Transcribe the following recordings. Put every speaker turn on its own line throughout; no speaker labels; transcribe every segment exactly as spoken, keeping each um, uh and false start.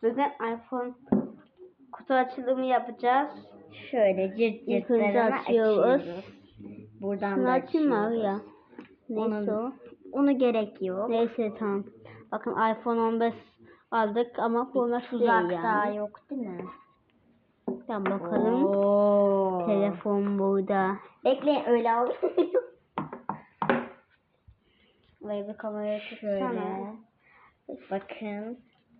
Bugün iPhone kutu açılımı yapacağız.
Şöyle cırt
İlk önce
cırtlarını
açıyoruz.
açıyoruz. Buradan
Şunu
da
açayım mı
açıyoruz.
ya? Neyse
Onu,
o.
onu gerek yok.
Neyse tamam. Bakın iPhone on beş aldık ama Pro Max değil
Tuzak
yani.
daha yok değil mi?
Tamam bakalım.
Oo.
Telefon burada.
Bekleyin öyle al.
Buraya bir kamerayı
Şöyle.
tutsana.
Bakın.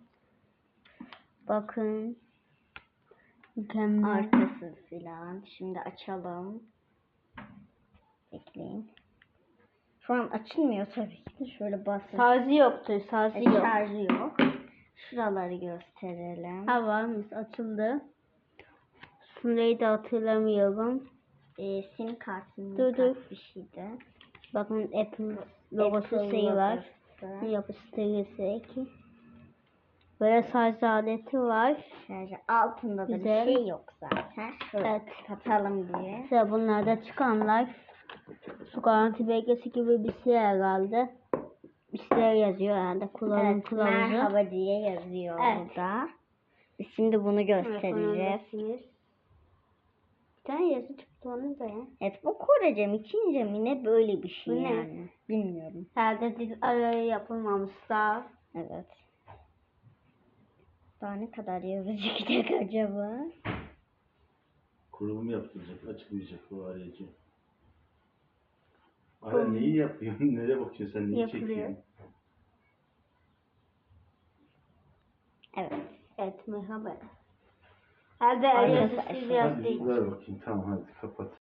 Bakın. Mükemmel.
Arkası filan. Şimdi açalım. Bekleyin. Şu an açılmıyor tabii ki. Şöyle basın.
Şarjı yoktu. Şarjı
E,
yok.
şarjı yok. Şuraları gösterelim.
Ha varmış, açıldı. Şurayı da hatırlamıyorum.
E, sim kartının
Dur, dur.
kart bir şeydi.
Bakın Apple logosu
Apple
şey var.
logosu.
Yapıştırıcısı ki. Böyle şarj aleti var.
Şarjı altında da
Güzel.
bir şey yok zaten. Şöyle
Evet.
kapatalım diye.
İşte bunlar da çıkanlar. Su garanti belgesi gibi bir şey herhalde. Bir şeyler yazıyor herhalde. Kullanım
Evet,
kılavuzu.
merhaba diye yazıyor
Evet.
burada. Biz şimdi bunu göstereceğiz.
Bir tane yazı çıktı onu da ya.
Evet, bu Korece mi, Çince mi ne böyle bir şey
Bu ne?
yani. Bilmiyorum.
Herhalde dil arayı yapılmamış daha.
Evet. Daha ne kadar yazı çıkacak acaba?
Kurulum yaptıracak, açıklayacak bu arayıcı. Hala neyi yapıyorsun? Nereye bakıyorsun sen? Neyi
Yapılıyor.
çekiyorsun?
Evet.
Evet merhaba. Herhalde
Arkadaşlar,
yazısı
hadi
biraz
Hadi
değil.
ver bakayım. Tamam hadi kapat.